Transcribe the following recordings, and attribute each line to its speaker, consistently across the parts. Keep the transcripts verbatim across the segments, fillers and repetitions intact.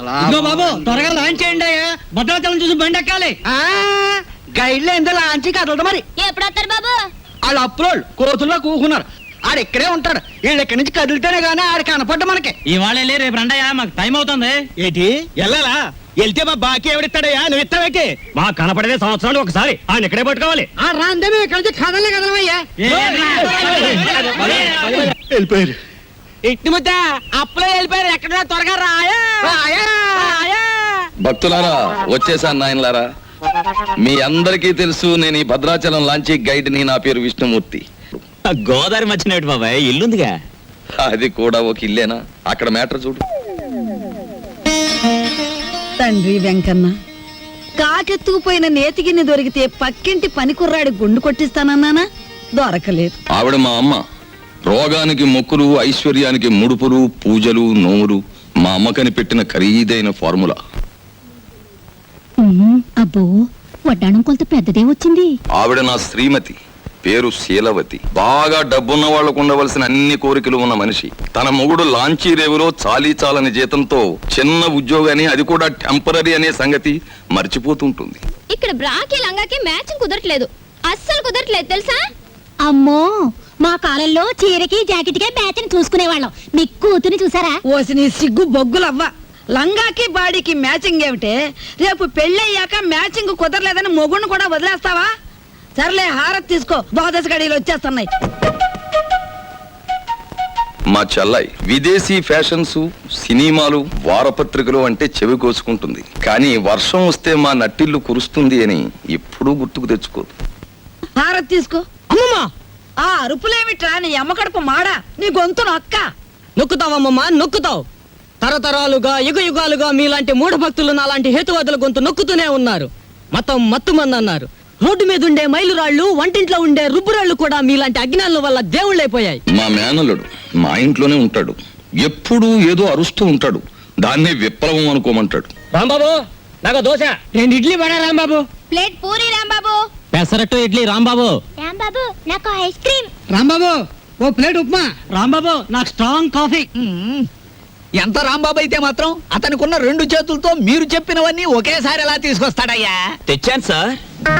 Speaker 1: బాబు త్వరగా లాంచ్ చేయండి అయ్యా, భద్రాచలం చూసి బండి ఎక్కాలి.
Speaker 2: గైడ్లో ఎంత లాంచి కదలదు మరి.
Speaker 3: ఎప్పుడు వస్తారు బాబు?
Speaker 2: వాళ్ళు అప్రోల్ కోతుల్లో కూకున్నారు. ఆడు ఇక్కడే ఉంటాడు. వీళ్ళు ఇక్కడి నుంచి కదిలితేనే గానీ ఆడు కనపడ్డ మనకి.
Speaker 1: ఇవాళ వెళ్ళి రేపు రండయ్యా, మాకు టైం అవుతుంది.
Speaker 4: ఏంటి వెళ్ళాలా? వెళ్తే మా బాకీ ఎవడిస్తాడయ్యా? నువ్వు ఇస్తావేకి?
Speaker 1: మా కనపడేదే సంవత్సరాలు ఒకసారి, ఆయన ఇక్కడే పట్టుకోవాలి.
Speaker 2: రాందే మేము ఇక్కడ నుంచి కదలే కదలమయ్యా.
Speaker 4: వెళ్ళిపోయారు.
Speaker 2: ఇట్టి ముద్ద అప్పులో వెళ్ళిపోయారు. ఎక్కడ త్వరగా రాయా.
Speaker 5: భక్తులారా, వచ్చేసాను నాయనలారా. మీ అందరికీ తెలుసు నేను ఈ భద్రాచలం లాంచీ గైడ్ ని. నా పేరు విష్ణుమూర్తి.
Speaker 6: గోదావరి మధ్యనేటి బాబాయ్, ఇల్లుందిగా.
Speaker 5: అది కూడా ఒక ఇల్లేనా? అక్కడ మ్యాటర్ చూడు.
Speaker 7: తండ్రి వెంకన్న, కాకెత్తుకుపోయిన నేతిగిన్ని దొరికితే పక్కింటి పనికుర్రాడి గుండు కొట్టిస్తానన్నానా, దొరకలేదు.
Speaker 5: ఆవిడ మా అమ్మ. రోగానికి మొక్కులు, ఐశ్వర్యానికి ముడుపులు, పూజలు, నోములు మా అమ్మకని పెట్టిన ఖరీదైన ఫార్ములా.
Speaker 3: అబ్బో, వడ్డాణం కొంత పెద్దదే వచ్చింది.
Speaker 5: ఆవిడ నా శ్రీమతి, పేరు శీలవతి. బాగా డబ్బున్న వాళ్లకు ఉండవలసిన అన్ని కోరికలు ఉన్న మనిషి. తన మొగుడు లాంచీ రేవులో చాలీ చాలని జీతంతో చిన్న ఉద్యోగాన్ని, అది కూడా టెంపరీ అనే సంగతి మర్చిపోతుంటుంది.
Speaker 3: ఇక్కడ బ్రాకి లంగాకి మ్యాచింగ్ కుదరట్లేదు, అస్సలు కుదరట్లేదు తెలుసా? అమ్మో, మా కాలంలో చీరకి జాకెట్ కి మ్యాచింగ్ చూసుకునేవాళ్ళం. మీ కూతుని చూసారా?
Speaker 7: ఓసి నీ సిగ్గు బొగ్గులవ్వ. లంగాకి బాడీకి మ్యాచింగ్ ఏమిటే? రేపు పెళ్ళయ్యాక మ్యాచింగ్ కుదరలేదని మొగుడిని కూడా వదిలేస్తావా? సర్లే, హారత్ తీసుకో, ద్వాదశ గడియలు వచ్చేస్తున్నాయి.
Speaker 5: మా చెల్లాయి విదేశీ ఫ్యాషన్స్, సినిమాలు, వారపత్రికలు అంటే చెవి కోసుకుంటుంది. కానీ వర్షం వస్తే మా నట్టిల్లు కురుస్తుంది అని ఎప్పుడూ గుర్తుకు తెచ్చుకోదు.
Speaker 7: హారత్ తీసుకో.
Speaker 2: అమ్మమ్మా,
Speaker 7: ఆ అరుపులేమిట్రా? నీ అమ్మ కడుపు మాడా, నీ గొంతు నొక్క.
Speaker 2: నొక్కుతావమ్మమ్మా, నొక్కుతావు. తరతరాలుగా యుగ యుగాలుగా మీలాంటి మూఢ భక్తులు నాలాంటి హేతువాదుల గొంతు నొక్కుతూనే ఉన్నారు. మతం మత్తుమంది అన్నారు. రోడ్డు మీద ఉండే మైలురాళ్లు, వంటింట్లో ఉండే రుబ్బురాళ్లు కూడా మీలాంటి అజ్ఞానుల వల్ల దేవుళ్ళైపోయాయి.
Speaker 5: మా మేనల్లుడు మా ఇంట్లోనే ఉంటాడు. ఎప్పుడూ ఏదో అరుస్తూ ఉంటాడు. దాన్నే విప్లవం అనుకోమంటాడు.
Speaker 2: రాంబాబు, నాకు దోశ. రెండు ఇడ్లీ పడా రాంబాబు.
Speaker 3: ప్లేట్ పూరి రాంబాబు.
Speaker 1: పెసరట్టు ఇడ్లీ రాంబాబు.
Speaker 3: రాంబాబు, నాకు ఐస్ క్రీమ్.
Speaker 2: రాంబాబు, ఓ ప్లేట్ ఉప్మా.
Speaker 1: రాంబాబు, నాకు స్ట్రాంగ్ కాఫీ.
Speaker 4: ఎంత రాంబాబు అయితే మాత్రం అతనికున్న రెండు చేతులతో మీరు చెప్పినవన్నీ ఒకేసారి ఎలా తీసుకొస్తాడయ్యా?
Speaker 6: తెచ్చాను సార్.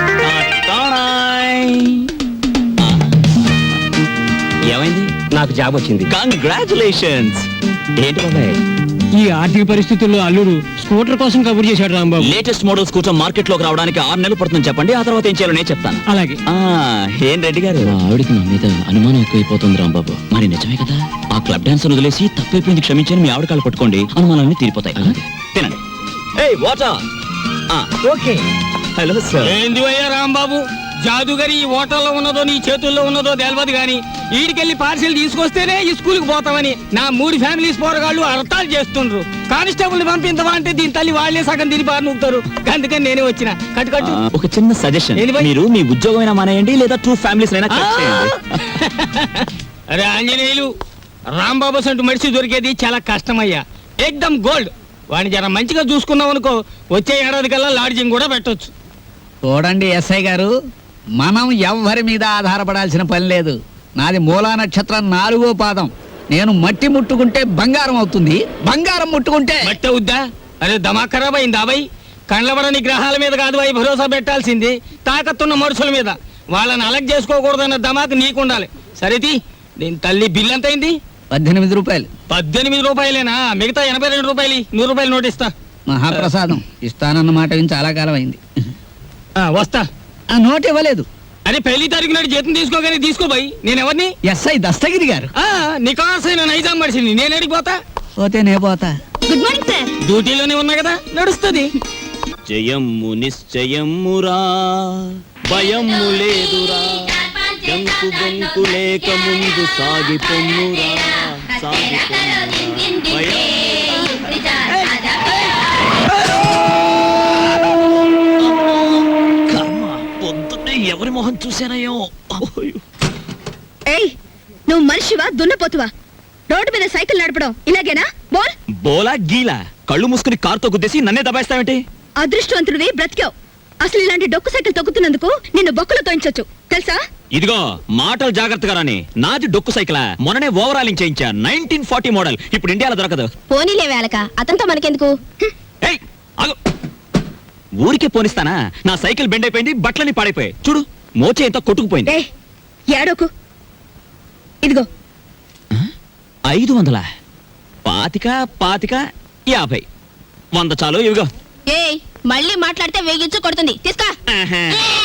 Speaker 6: ఏమైంది?
Speaker 2: నాకు జాబ్ వచ్చింది.
Speaker 6: కంగ్రాచులేషన్స్. ఏంటి బాబాయ్,
Speaker 1: ఈ ఆర్థిక పరిస్థితుల్లో అల్లుడు స్కూటర్ కోసం కబుర్ చేశాడు రాంబాబు.
Speaker 6: లేటెస్ట్ మోడల్స్ కూర్చొని మార్కెట్ లోకి రావడానికి ఆరు నెలలు పడుతుంది చెప్పండి, ఆ తర్వాత ఏం చేయాలో నేను చెప్తాను.
Speaker 1: అలాగే.
Speaker 6: ఆ, ఏం రెడ్డి గారు, ఆవిడికి నా మీద అనుమానం ఎక్కువైపోతుంది రాంబాబు. మరి నిజమే కదా? ఆ క్లబ్ డాన్స్ వదిలేసి తప్పైపోయింది క్షమించని మీ ఆవిడ కాళ్ళు పట్టుకోండి, అనుమానాన్ని తీరిపోతాయి. తినండి. ఏయ్ వాటర్.
Speaker 2: ఓకే.
Speaker 6: Hello sir.
Speaker 2: ఏంది అయ్యా రాంబాబు, జాదుగరి ఈ హోటల్లో ఉన్నదో నీ చేతుల్లో ఉన్నదో తెలియదు గాని ఈడికెళ్ళి పార్సిల్ తీసుకొస్తేనే ఈ స్కూల్కి పోతామని నా మూడు ఫ్యామిలీస్ పోరగాళ్ళు అర్థాలు చేస్తుండ్రు. కానిస్టేబుల్ పంపించవా అంటే దీని తల్లి వాళ్ళే సగం తిని పారు నూపుతారు. అందుకని నేనే వచ్చిన. కట్టు కట్టు.
Speaker 6: ఒక చిన్న సజెషన్, మీరు మీ ఉద్యోగమైనా మానేయండి, లేదా టూ ఫ్యామిలీస్ అయినా కట్ చేయండి.
Speaker 2: అరే ఆంజనేయులు, రాంబాబు సంటూ మనిషి దొరికేది చాలా కష్టమయ్యా. ఎక్దమ్ గోల్డ్. వాడిని జర మంచిగా చూసుకున్నాం అనుకో, వచ్చే ఏడాది కల్లా లాడ్జింగ్ కూడా పెట్టొచ్చు.
Speaker 4: చూడండి ఎస్ఐ గారు, మనం ఎవ్వరి మీద ఆధారపడాల్సిన పని లేదు. నాది మూలా నక్షత్రం నాలుగో పాదం. నేను మట్టి ముట్టుకుంటే బంగారం అవుతుంది, బంగారం ముట్టుకుంటే
Speaker 2: మట్టి అవుద్దా? అరే దమా ఖరాబ్ అయిందా బై? కండ్లబడని గ్రహాల మీద కాదు అవి భరోసా పెట్టాల్సింది, తాకత్తున్న మనుషుల మీద. వాళ్ళని అలగ్ చేసుకోకూడదన్న దమాకు నీకుండాలి. సరేది, దీని తల్లి బిల్ ఎంత అయింది?
Speaker 4: పద్దెనిమిది రూపాయలు.
Speaker 2: పద్దెనిమిది రూపాయలేనా? మిగతా ఎనభై రెండు రూపాయలు నూరు రూపాయలు నోటిస్తా.
Speaker 4: మహాప్రసాదం. ఇస్తానన్న మాట విని చాలా కాలం అయింది.
Speaker 2: వస్తా.
Speaker 4: ఆ నోట్ ఇవ్వలేదు.
Speaker 2: అరే పెళ్లి తారీఖు నాడు జీతం తీసుకోగానే తీసుకోబాయి. నేను ఎవరిని?
Speaker 4: ఎస్ఐ దస్తగిరి గారు.
Speaker 2: నికాసైన నైజాం మనిషిని. నేను ఎడిపోతా?
Speaker 4: పోతే నే పోతా.
Speaker 3: Good morning sir.
Speaker 2: డ్యూటీలోనే ఉన్నా కదా, నడుస్తుంది.
Speaker 6: జయమ్ము నిశ్చయమ్మురా, భయమ్ము లేదురా, జంకు బొంకు లేక ముందు సాగిపొమ్మురా, సాగిపొమ్మురా. ఎవరి మొహం చూసానయ్యో.
Speaker 3: ఏయ్, నువ్వు మనిషివా దున్నపోతువా? రోడ్డు మీద సైకిల్ నడపడం ఇలాగేనా? బోల్.
Speaker 6: బోలా గీలా కళ్ళు మూసుకుని కారుతో గుద్దేసి నన్నే దబాయిస్తావేంటి?
Speaker 3: అదృష్టవంతుడివి, బ్రతికావు. అసలు ఇలాంటి డొక్కు సైకిల్ తొక్కుతున్నందుకు నిన్ను బొక్కలు తోయించొచ్చు తెలుసా?
Speaker 6: ఇదిగో మాటలు జాగ్రత్తగా రాని. నాది డొక్కు సైకిల్, మొన్ననే ఓవరాలింగ్ చేయించా. నైన్టీన్ ఫార్టీ మోడల్, ఇప్పుడు ఇండియాలో దొరకదు.
Speaker 3: పోనీలే వేలక అతనితో మనకెందుకు?
Speaker 6: ఏయ్, ఆగు. ఊరికే పోనిస్తానా? నా సైకిల్ బెండ్ అయిపోయింది, బట్టలని పాడైపోయాయి. చూడు, మోచే ఎంత కొట్టుకుపోయింది.
Speaker 7: ఏ ఏడోకు, ఇదిగో
Speaker 6: ఐదు వందల పాతిక పాతిక యాభై వంద చాలు. ఇవిగో.
Speaker 3: ఏయ్ మళ్ళీ మాట్లాడితే వేగించు కొడుతుంది. తీసుకో.
Speaker 6: ఆహా.